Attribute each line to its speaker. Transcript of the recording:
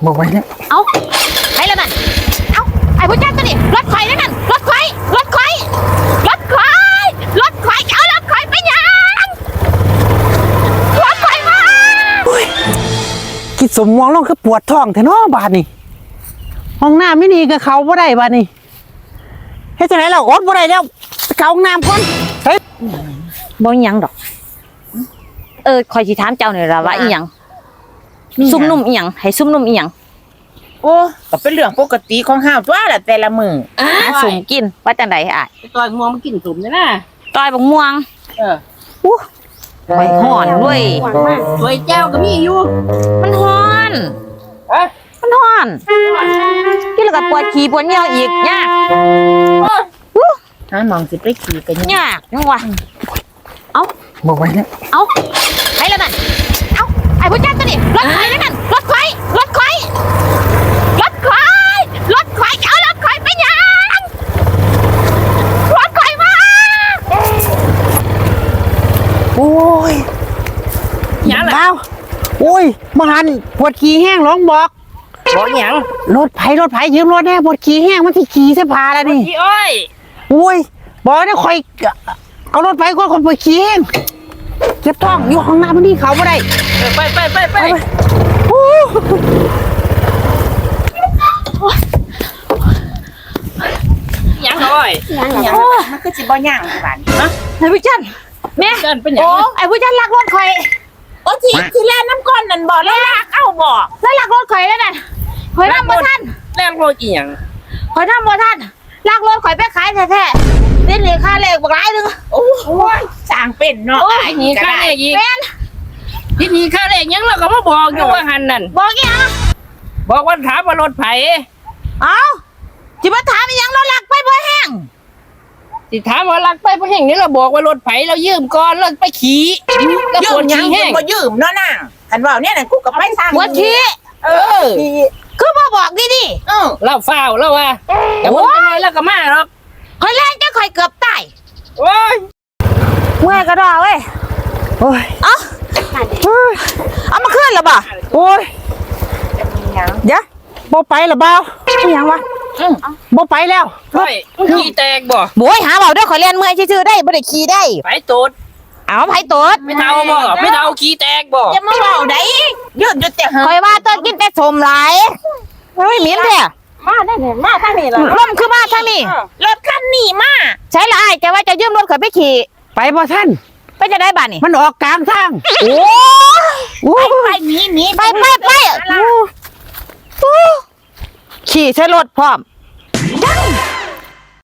Speaker 1: บอกไว้เนี่ย
Speaker 2: เอาไปแล้วนั่นเอาไอ้ผู้ชายตัวนี้รถไฟนั่นนั่นรถไฟรถไฟรถไฟรถไฟเอารถไฟไปยังรถไฟมา
Speaker 1: กิดสมมองลงคือปวดท้องแท้เนาะบาดนี่ห้องน้ำไม่ดีกับเขาบ่ได้บาดนี่เฮ็ดจังได๋เราอดบ่ได้แล้วเข้าห้องน้ำก่อนเฮ้ย
Speaker 2: บ่หยังดอกคอยสิถามเจ้าหน่อยล่ะว่าอีหยังซุ่มนุ่มอีหยังให้ซุ่มนุ่มอีหยัง
Speaker 3: โอ้ก็เป็นเรื่องปกติของห้าวตัวละแต่ละมื้อ
Speaker 2: สุ่มกินว่าจังได๋อ้าย
Speaker 3: ต่อยม่วงมันกินสุ่มนี่นะ
Speaker 2: ต้อยบักม่วงใบฮ้อนด้วย
Speaker 3: สวยแจ้วก็มีอยู่
Speaker 2: มันฮ้อนมันฮ้อนกินแล้วก็ปวดขี้ปวดเหนียวอีกยาก
Speaker 3: หามองสิไปขี่กัน
Speaker 2: ยากจังวะเอา
Speaker 1: บอกไว้เนี่ย
Speaker 2: เอาไปแล้วนั่นเอาไอ้ผู้ชายตัวนี้รถไฟนั่นนั่นรถไฟรถไฟรถไฟรถไฟเอารถไฟไปยังรถไฟมา
Speaker 1: โอ้ย
Speaker 3: หยังล่ะ
Speaker 1: โอ้ยมาหันปวดขี้แห้งร้องบอก
Speaker 3: หยัง
Speaker 1: รถไผยืมรถแน่ปวดขี้แห้งมันสิขี้เสพาแล้วนี่
Speaker 3: ขี้อ้อย
Speaker 1: โอ้ยบอกนะคอยเอารถไปคนปวดขี้แห้งเจ็บท้องอยู่ห้องน้ำมันนี่เขาบ่ได้
Speaker 3: ไปหยังอ้อยหยังมันคือสิบ่หยังบาดฮะ
Speaker 2: ไอ้ผู้ชายแม่
Speaker 3: เป็นหยัง
Speaker 2: ไอ้ผู้ชายลักรถคอย
Speaker 3: โอ้ที่แล่น้ำก้อนนั่นบ่แล้วลากเอ้าบ่
Speaker 2: แล้วลักรถคอยแล้วนั่นคอยทำบ่ทัน
Speaker 3: แล่รถอีหยัง
Speaker 2: คอยทำบ่ทันลักรถคอยไปขายแท้ๆนี่เหลือค่าเลขบักหลายนึง
Speaker 3: โอ้ยสร้างเป็นเนาะไอ้นี่ค่าเลขอีกที่นี่ค่าเลขยังเราก็มาบอกอยู่ว่าหันนั่น
Speaker 2: บอกอีหยัง
Speaker 3: บอกว่าถามว่ารถไผ
Speaker 2: เอ้าสิมาถามอีหยังเราลักไปบ่แห้ง
Speaker 3: สิถามว่าลักไปบ่แห้งนี่เราบอกว่ารถไผเรายืมก่อนเราไปขี่แล้วปวดขี้แห้งบ่ยืมเนาะนางคันว่าเนี่ยน่ะกูก็ไปสร้าง
Speaker 2: ปวดขี้คือบ่บอกดี
Speaker 3: ๆเราฟ้าวเราว่าแต่บ่เป็นไรแล้วก็มาหรอก
Speaker 2: คอยแรงจะคอยเกือบตาย
Speaker 3: โอ้ย
Speaker 2: เมื่อยกระดอเว้ย
Speaker 1: โอ้ย
Speaker 2: เอามาขึ้นหรอบ่
Speaker 1: โอ้ยเดี๋ยวบ่ไปหรอเปล่าอย่างวะบ่ไปแล้ว
Speaker 3: ขี่แตกบ่
Speaker 2: โบยหาเบาด้วยขอเรียนเมื่อยชื่อได้บ่ได้ขี่ได้
Speaker 3: ไปตูด
Speaker 2: เอาไผตูด
Speaker 3: ไม่เท่าบ่ไม่เท่าขี่แตกบ่
Speaker 2: จะมาเบาได้ยืดแต่คอยว่าต้นกินแต่สมหลายเฮ้ยเหม็นแท้
Speaker 3: มาได้เนี่ยมาทางนี้ล่ะ
Speaker 2: ลมคือมาทางนี้
Speaker 3: รถคันนี้มา
Speaker 2: ใช่ละอ้ายจะว่าจะยืมรถข่อยไปขี่
Speaker 1: ไปบ่ท่าน
Speaker 2: ไปจะได้บ้านนี่
Speaker 1: มันออกกลางทาง
Speaker 2: โอ้
Speaker 3: ไปหนี
Speaker 2: ไปขี่ใช้รถพร้อม